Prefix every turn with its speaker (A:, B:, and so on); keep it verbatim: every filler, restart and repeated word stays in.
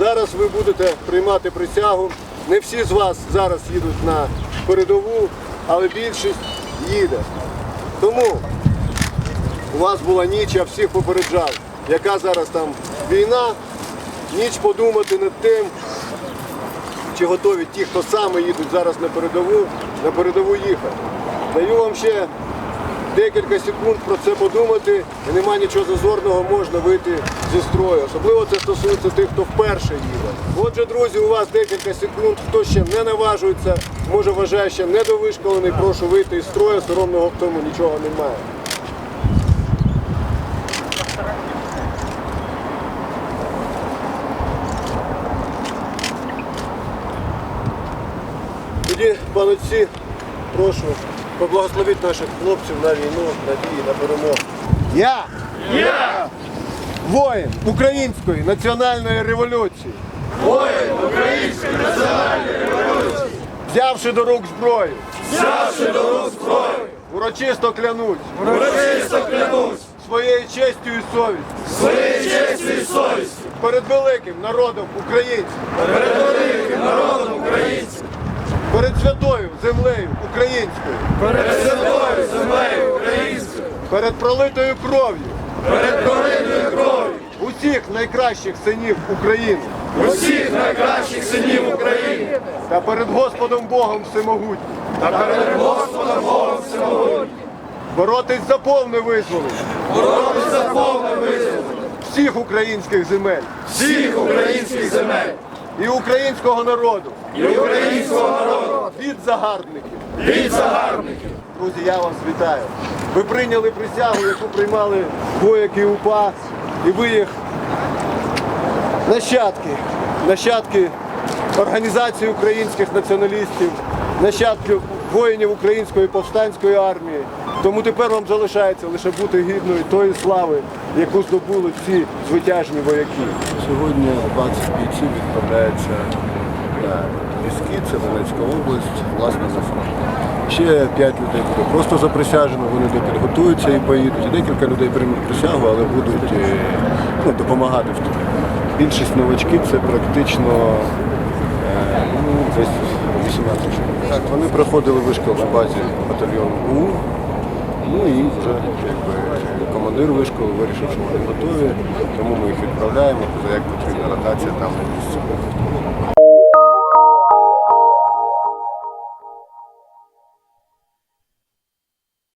A: Зараз ви будете приймати присягу. Не всі з вас зараз їдуть на передову, але більшість їде. Тому у вас була ніч, я всіх попереджав, яка зараз там війна, ніч подумати над тим, чи готові ті, хто саме їдуть зараз на передову, на передову їхати. Даю вам ще декілька секунд про це подумати, і нема нічого зазорного, можна вийти зі строю. Особливо це стосується тих, хто вперше їде. Отже, друзі, у вас декілька секунд, хто ще не наважується, може вважає ще недовишколений, прошу вийти із строю, соромного в тому нічого немає. Тоді, пане отці, прошу, поблагословіть наших хлопців на війну, на дії, на перемогу. Я!
B: Я!
A: Воїн Української національної революції!
B: Воїн Української національної революції!
A: Взявши до рук зброю!
B: Взявши до рук зброю!
A: Урочисто клянусь!
B: Урочисто клянусь!
A: Своєю честю і совістю!
B: Своєю честю і совістю!
A: Перед великим народом українців!
B: Перед великим народом українців!
A: Перед святою землею українською!
B: Перед святою землею українською!
A: Перед пролитою кров'ю!
B: Перед пролитою кров'ю!
A: Усіх найкращих синів України!
B: Усіх найкращих синів України!
A: Та перед Господом Богом Всемогутнім!
B: Та перед Господом Богом Всемогутнім!
A: Боротись за повне визволення!
B: Боротися за повне визволення!
A: Всіх українських земель!
B: Всіх українських земель!
A: І українського народу!
B: І українського народу!
A: Від загарбників!
B: Від загарбників!
A: Друзі, я вас вітаю! Ви прийняли присягу, яку приймали вояки УПА, і ви їх нащадки, нащадки організації українських націоналістів, нащадки воїнів Української повстанської армії. Тому тепер вам залишається лише бути гідною тої слави, яку здобули всі звитяжні вояки. Сьогодні двадцять бійців відправляється на Піски, це Донецька область, власне, за фронт. Ще п'ять людей буде просто заприсяжено, вони допідготуються і поїдуть. І декілька людей приймуть присягу, але будуть ну, допомагати в тому. Більшість новачків це практично е, ну, десь вісімнадцять чоловік. Так, вони проходили вишкіл на базі батальйону УУ. Ну і вже якби, командир вишколу вирішив, що вони готові, тому ми їх відправляємо, як потрібна ротація там на місці.